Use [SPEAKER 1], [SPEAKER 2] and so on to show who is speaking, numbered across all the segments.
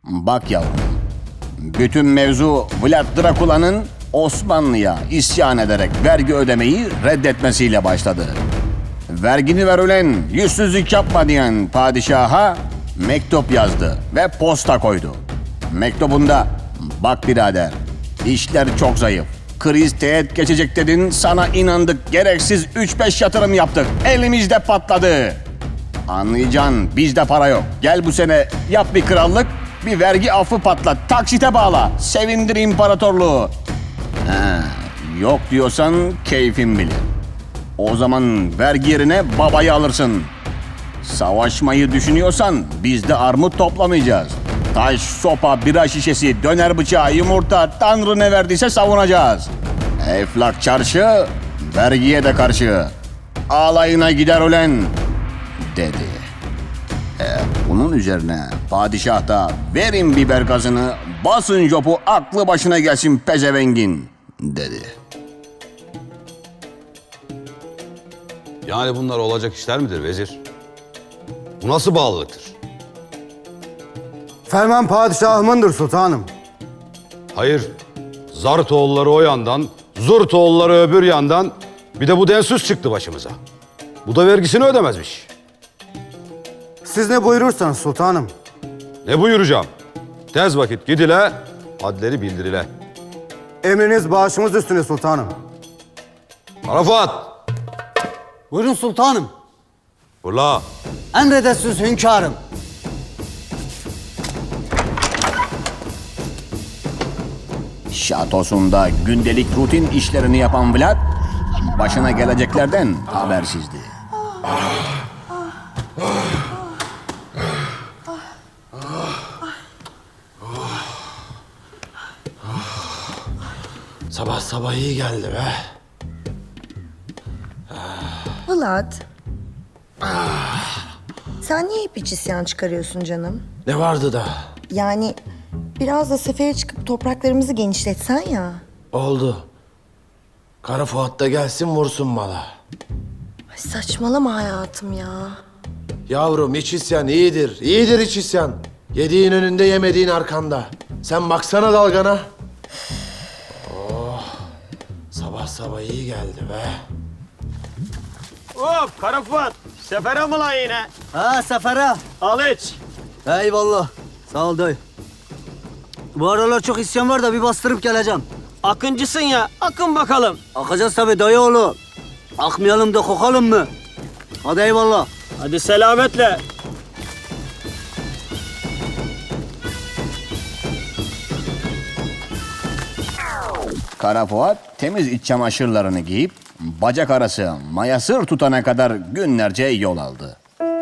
[SPEAKER 1] Bak yavrum, bütün mevzu Vlad Drakula'nın Osmanlı'ya isyan ederek vergi ödemeyi reddetmesiyle başladı. Vergini ver ulen, yüzsüzlük yapma diyen padişaha mektup yazdı ve posta koydu. Mektubunda, bak birader, işler çok zayıf. Kriz teğet geçecek dedin, sana inandık, gereksiz 3-5 yatırım yaptık, elimizde patladı. Anlayacaksın, bizde para yok. Gel bu sene yap bir krallık, bir vergi affı patlat, taksite bağla, sevindir imparatorluğu. Yok diyorsan keyfin bilir. O zaman vergi yerine babayı alırsın. Savaşmayı düşünüyorsan biz de armut toplamayacağız. Taş, sopa, bira şişesi, döner bıçağı, yumurta, Tanrı ne verdiyse savunacağız. Eflak çarşı, vergiye de karşı. Alayına gider ulen, dedi. Bunun üzerine padişah da verin biber gazını, basın jopu, aklı başına gelsin pezevengin, dedi.
[SPEAKER 2] Yani bunlar olacak işler midir vezir? Bu nasıl bağlılıktır?
[SPEAKER 3] Ferman padişahımındır sultanım.
[SPEAKER 2] Hayır, Zart oğulları o yandan, Zurt oğulları öbür yandan, bir de bu densiz çıktı başımıza. Bu da vergisini ödemezmiş.
[SPEAKER 3] Siz ne buyurursanız sultanım.
[SPEAKER 2] Ne buyuracağım? Tez vakit gidile, hadleri bildirile.
[SPEAKER 3] Emriniz başımız üstüne sultanım.
[SPEAKER 2] Arafat!
[SPEAKER 4] Buyurun sultanım.
[SPEAKER 2] Fırla!
[SPEAKER 4] Emredersiniz hünkârım.
[SPEAKER 1] Şatosunda gündelik rutin işlerini yapan Vlad, başına geleceklerden habersizdi.
[SPEAKER 5] Sabah sabah iyi geldi be.
[SPEAKER 6] Vlad. Sen niye hep iç isyan çıkarıyorsun canım?
[SPEAKER 5] Ne vardı da?
[SPEAKER 6] Yani biraz da sefere çıkıp topraklarımızı genişletsen ya.
[SPEAKER 5] Oldu. Kara Fuat da gelsin vursun mala.
[SPEAKER 6] Ay saçmalama hayatım ya.
[SPEAKER 5] Yavrum iç isyan iyidir. İyidir iç isyan. Yediğin önünde yemediğin arkanda. Sen baksana dalgana. Oh. Sabah sabah iyi geldi be.
[SPEAKER 7] Hop Kara Fuat. Sefere mi lan yine?
[SPEAKER 4] Ha sefere.
[SPEAKER 7] Al iç.
[SPEAKER 4] Eyvallah. Sağ ol dayı. Bu aralar çok isyan var da bir bastırıp geleceğim.
[SPEAKER 7] Akıncısın ya. Akın bakalım.
[SPEAKER 4] Akacağız tabii dayı oğlu. Akmayalım da kokalım mı? Hadi eyvallah.
[SPEAKER 7] Hadi selametle.
[SPEAKER 1] Kara Fuat temiz iç çamaşırlarını giyip bacak arası mayasır tutana kadar günlerce yol aldı.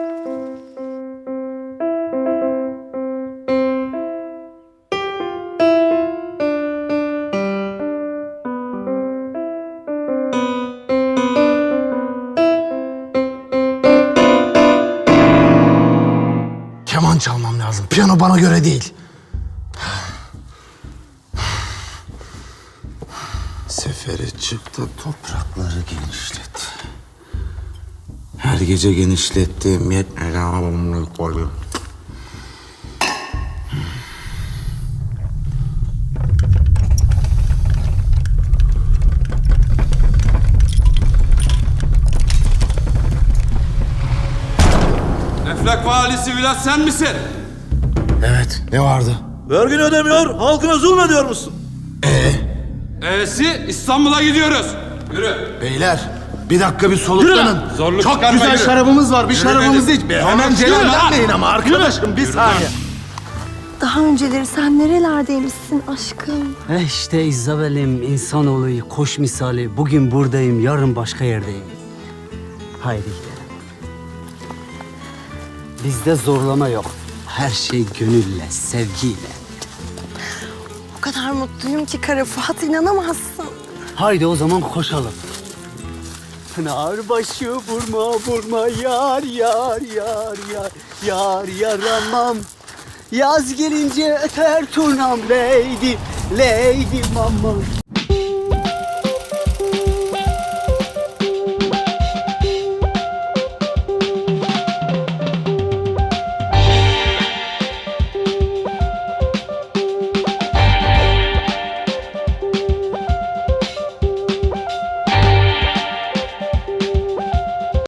[SPEAKER 5] Keman çalmam lazım. Piyano bana göre değil. Sefere çıktı, toprakları genişlet. Her gece genişlettiğim yetmedi ama bunu koydum.
[SPEAKER 2] Eflak valisi Vlad sen misin?
[SPEAKER 5] Evet, ne vardı?
[SPEAKER 7] Vergini ödemiyor. Halkına zulmediyor musun?
[SPEAKER 2] İstanbul'a gidiyoruz. Yürü.
[SPEAKER 5] Beyler, bir dakika bir soluklanın.
[SPEAKER 2] Zorluk
[SPEAKER 5] Çok
[SPEAKER 2] çıkarma,
[SPEAKER 5] güzel
[SPEAKER 2] yürü.
[SPEAKER 5] şarabımız var, bir
[SPEAKER 2] Yürü
[SPEAKER 5] şarabımızı
[SPEAKER 2] dedim.
[SPEAKER 5] iç. Hemen celallenmeyin ama arkadaşım, bir saniye.
[SPEAKER 6] Daha önceleri sen nerelerdeymişsin aşkım?
[SPEAKER 4] İşte İzabel'im, insanoğlu, koş misali. Bugün buradayım, yarın başka yerdeyim. Haydi gidelim. Bizde zorlama yok. Her şey gönülle, sevgiyle.
[SPEAKER 6] O kadar mutluyum ki Kara Fuat, inanamazsın.
[SPEAKER 4] Haydi o zaman koşalım. Pınar başı vurma vurma yar yar yar yar yar yaramam. Yaz gelince öter turnam lady lady mamam.